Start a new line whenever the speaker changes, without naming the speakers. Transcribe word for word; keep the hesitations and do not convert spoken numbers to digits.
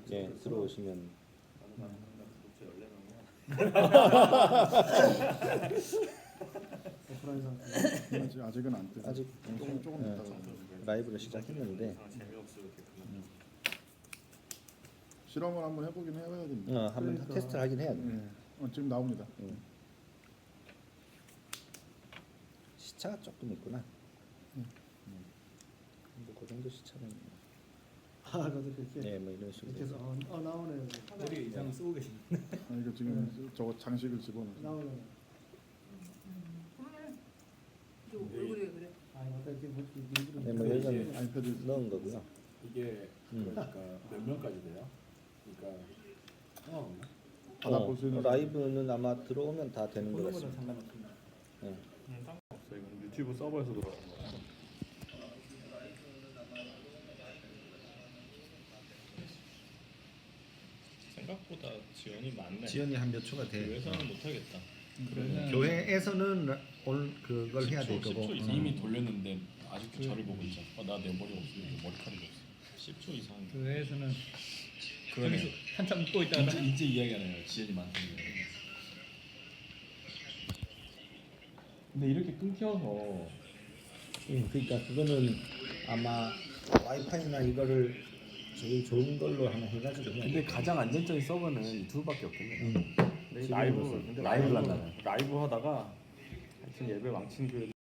예, 들어오시면
오프라인 상태.
아직 아직은 안 뜨죠.
아직
조금 조금
예,
있다가
라이브를 시작했는데
실험을 한번 해보긴 해야 됩니다.
어, 한번
그러니까.
테스트를 하긴 해야 돼.
네. 어, 지금 나옵니다.
음. 시차가 조금 있구나.
음.
음. 뭐그 정도 시차는
아, 그것도 그렇게
네, 뭐 이런 식으로
이렇게 해서 어, 어 나오네요.
머리 이상 쓰고 계신.
아, 이거 지금 저거 장식을 집어넣어서
나오네요.
그러네. 저 얼굴이 왜 그래?
아, 아까 이렇게 뭐 일부러
네, 뭐 여기는
아이패드
넣은 거고요.
이게
음.
그러니까 몇 명까지 돼요? 그러니까 상관없나?
받아볼 수 있는
라이브는 아마 들어오면 다 되는 것
폰으로는
같습니다.
상관없습니다.
네.
음, 상관없어. 이건 유튜브 서버에서 들어오는 거야.
생각보다 지원이 많네.
지연이 한 몇 초가 돼.
교회에서는 못하겠다.
음, 교회에서는 올 그걸 해야 될
십 초
거고.
이상.
음.
이미 돌렸는데 아직도 저를 보고 있죠. 어, 나 내 머리 없어. 이렇게 머리카락이 없어.
십 초 이상.
교회에서는
그러네.
한참 웃고 있다가
이제 이제 이야기하네요. 지연이 많다는 거.
근데 이렇게 끊겨서
음, 그러니까 그거는 아마 와이파이나 이거를 제일 좋은 걸로 하나 해가지고 해야
근데
돼.
가장 안전적인 서버는 유튜브밖에 없겠네요.
음.
근데
지금으로서.
라이브 근데
라이브를
라이브
한다면.
라이브 하다가 하여튼 예배 망친 교회